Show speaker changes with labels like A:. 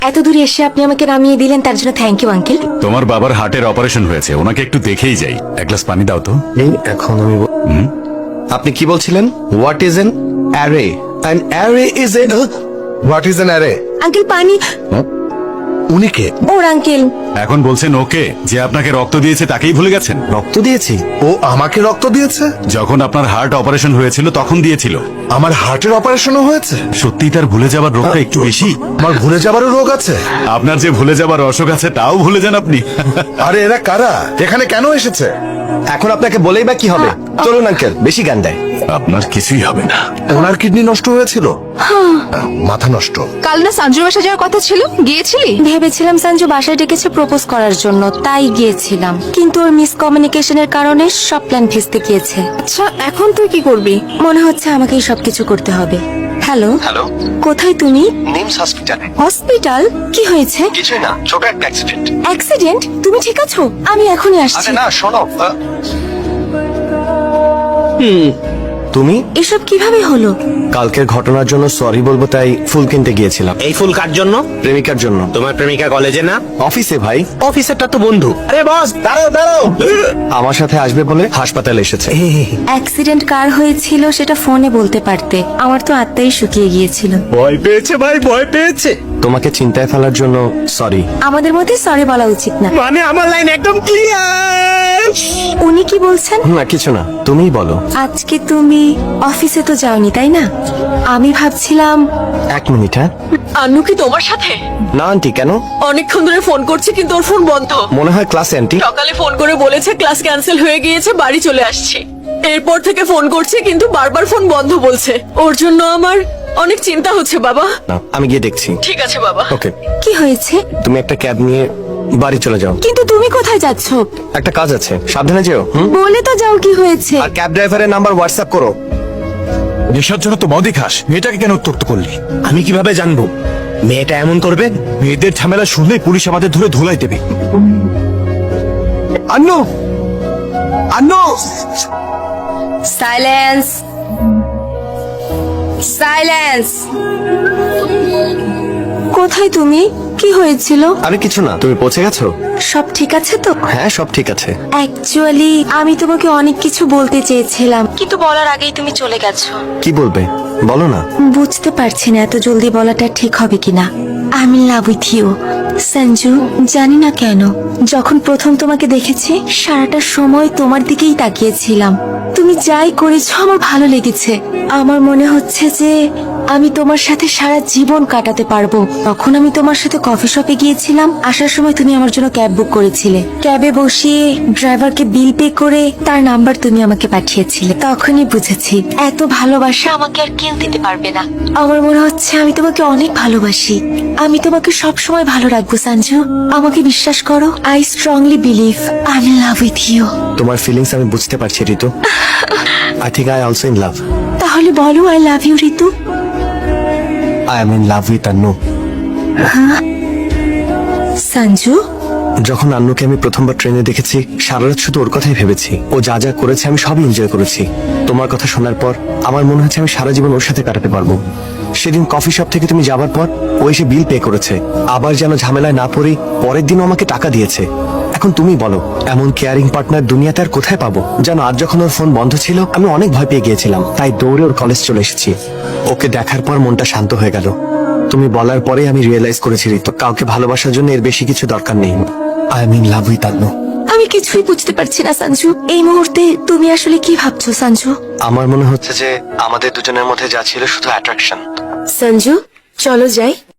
A: এত দূরে এসে আপনি আমাকে নামিয়ে দিলেন, তার জন্য থ্যাংক ইউ আঙ্কেল।
B: তোমার বাবার হার্টের অপারেশন হয়েছে, ওনাকে একটু দেখেই যাই। এক গ্লাস পানি দাও তো।
C: এই এখন আমি আপনি কি বলছিলেন? What is an array? An array is a what is an array?
A: Uncle পানি।
C: উনি কে?
A: ওর আঙ্কেল।
B: এখন বলছেন ওকে, যে আপনাকে রক্ত দিয়েছে তাকেই ভুলে গেছেন?
C: রক্ত দিয়েছি? ও আমাকে রক্ত দিয়েছে?
B: যখন আপনার হার্ট অপারেশন হয়েছিল তখন দিয়েছিল।
C: আমার হার্টের অপারেশনও হয়েছে?
B: সত্যি তার ভুলে যাবার রোগটা একটু বেশি।
C: আমার ভুলে যাবারও রোগ আছে?
B: আপনার যে ভুলে যাবার অসুখ আছে তাও ভুলে যান আপনি।
C: আরে এরা কারা? এখানে কেন এসেছে? এখন আপনাকে বলেই বা কি হবে? চলুন আঙ্কেল, বেশি জ্ঞান দেয়।
B: আপনার কিছুই হবে না।
C: ওনার কিডনি নষ্ট হয়েছিল, মাথা নষ্ট।
D: কাল না সঞ্জুর বাসা যাওয়ার কথা ছিল, গিয়েছিলি?
A: ভেবেছিলাম সঞ্জু বাসায় ডেকেছে প্রপোজ করার জন্য, তাই গিয়েছিলাম, কিন্তু ওর মিসকমিউনিকেশনের কারণে সব প্ল্যান ভেস্তে গিয়েছে।
D: আচ্ছা, এখন তুই কি করবি?
A: মনে হচ্ছে আমাকেই সবকিছু করতে হবে। হ্যালো
C: হ্যালো,
A: কোথায় তুমি?
C: নিমস হসপিটালে।
A: হসপিটাল? কি হয়েছে?
C: কিছুই না, ছোট একটা অ্যাক্সিডেন্ট।
A: অ্যাক্সিডেন্ট? তুমি ঠিক আছো? আমি এখনই আসছি।
C: না শোনো, তুমি
A: এসব কিভাবে হলো?
C: কালকের ঘটনার জন্য সরি বলবো তাই ফুল কিনতে গিয়েছিলাম।
E: এই ফুল কার জন্য?
C: প্রেমিকার জন্য।
E: তোমার প্রেমিকা কলেজে না?
C: অফিসে ভাই।
E: অফিসারটা তো বন্ধু। আরে বস, দাঁড়াও দাঁড়াও।
C: আমার সাথে আসবে বলে হাসপাতালে এসেছে।
A: অ্যাক্সিডেন্ট কার হয়েছিল সেটা ফোনে বলতে পারতে, আমার তো আত্মাই শুকিয়ে গিয়েছিল।
E: ভয় পেয়েছে ভাই, ভয় পেয়েছে।
C: তোমাকে চিন্তায় ফেলার জন্য সরি।
A: আমাদের মধ্যে সরি বলা উচিত না।
E: মানে আমার লাইন একদম ক্লিয়ার।
A: উনি কি বলছেন?
C: না কিছু না, তুমিই বলো।
A: আজকে তুমি অফিসে তো যাওনি তাই না? আমি ভাবছিলাম।
C: এক মিনিট। হ্যাঁ
D: আন্নু কি তোমার সাথে?
C: না আন্টি, কেন?
D: অনেকক্ষণ ধরে ফোন করছে কিন্তু ওর ফোন বন্ধ।
C: মনে হয় ক্লাসে আন্টি।
D: সকালে ফোন করে বলেছে ক্লাস ক্যান্সেল হয়ে গিয়েছে, বাড়ি চলে আসছে। এরপর থেকে ফোন করছে কিন্তু বারবার ফোন বন্ধ বলছে। ওর জন্য আমার অনেক চিন্তা হচ্ছে বাবা।
C: না, আমি গিয়ে দেখছি।
D: ঠিক আছে বাবা।
C: ওকে,
A: কি হয়েছে?
C: তুমি একটা ক্যাব নিয়ে বাড়ি চলে যাও।
A: কিন্তু তুমি কোথায় যাচ্ছ?
C: একটা কাজ আছে, সাবধানে যেও।
A: বলে তো যাও কি হয়েছে।
C: আর ক্যাব ড্রাইভারের নাম্বার হোয়াটসঅ্যাপ করো।
F: নেশার জন্য তো মদই খাস, মেয়েটাকে কেন উত্ত্যক্ত করলি?
E: আমি কিভাবে জানবো মেয়েটা এমন করবে?
F: মেয়েদের ঝামেলা শুনলেই পুলিশ আমাদের ধরে ধুলাই দেবে। Annu, Annu,
A: silence, silence. কোথায় তুমি? কি হয়েছিল?
C: আরে কিছু না, তুমি পৌঁছে গেছো?
A: সব ঠিক আছে তো?
C: হ্যাঁ সব ঠিক আছে।
A: অ্যাকচুয়ালি আমি তোমাকে অনেক কিছু বলতে চেয়েছিলাম, কিন্তু বলার আগেই তুমি চলে গেছো।
C: কি বলবে বলো না।
A: বুঝতে পারছি না এত জলদি বলাটা ঠিক হবে কিনা। I am in love with you Sanju. জানি না কেন, যখন প্রথম তোমাকে দেখেছি সারাটা সময় তোমার দিকেই তাকিয়েছিলাম। তুমি যাই করেছো আমার ভালো লেগেছে। আমার মনে হচ্ছে যে আমি তোমার সাথে সারা জীবন কাটাতে পারবো। তখন আমি তোমার সাথে কফি শপে গিয়েছিলাম, আসার সময় তুমি আমার জন্য ক্যাব বুক করেছিলে। ক্যাবে বসিয়ে ড্রাইভারকে বিল পে করে তার নাম্বার তুমি আমাকে পাঠিয়েছিলে। তখনই বুঝেছি এত ভালোবাসা আমাকে আর কেউ দিতে পারবে না। আমার মনে হচ্ছে আমি তোমাকে অনেক ভালোবাসি। আমি তোমাকে সব সময় ভালো রাখবো সঞ্জু, আমাকে বিশ্বাস করো। I strongly believe I am in love with you.
C: তোমার ফিলিংস আমি বুঝতে পারছি Ritu. I think I also in love.
A: তাহলে বলো I love you Ritu.
C: I am in love with Annu.
A: Sanju,
C: যখন আন্নুকে আমি প্রথমবার ট্রেনে দেখেছি সারা রাত শুধু ওর কথাই ভেবেছি। ও যা যা করেছে আমি সবই এনজয় করেছি। তোমার কথা শোনার পর আমার মনে হচ্ছে আমি সারা জীবন ওর সাথে কাটাতে পারবো। সেদিন কফি শপ থেকে তুমি যাবার পর ও এসে বিল পে করেছে, আবার যেন ঝামেলায় না পড়ি পরের দিনও আমাকে টাকা দিয়েছে। এখন তুমি বলো এমন কেয়ারিং পার্টনার দুনিয়াতে আর কোথায় পাবো? জানো আজ যখন ওর ফোন বন্ধ ছিল আমি অনেক ভয় পেয়ে গিয়েছিলাম, তাই দৌড়ে ওর কলেজ চলে এসেছি। ওকে দেখার পর মনটা শান্ত হয়ে গেল। তুমি বলার পরে আমি রিয়েলাইজ করেছি ঋতু, কাউকে ভালোবাসার জন্য এর বেশি কিছু দরকার নেই। I am in love with Annu.
A: আমি কিছুই বুঝতে পারছি না সঞ্জু। এই মুহূর্তে তুমি আসলে কি ভাবছো সঞ্জু?
C: আমার মনে হচ্ছে যে আমাদের দুজনের মধ্যে যা ছিল শুধু অ্যাট্রাকশন।
A: সঞ্জু চলো যাই।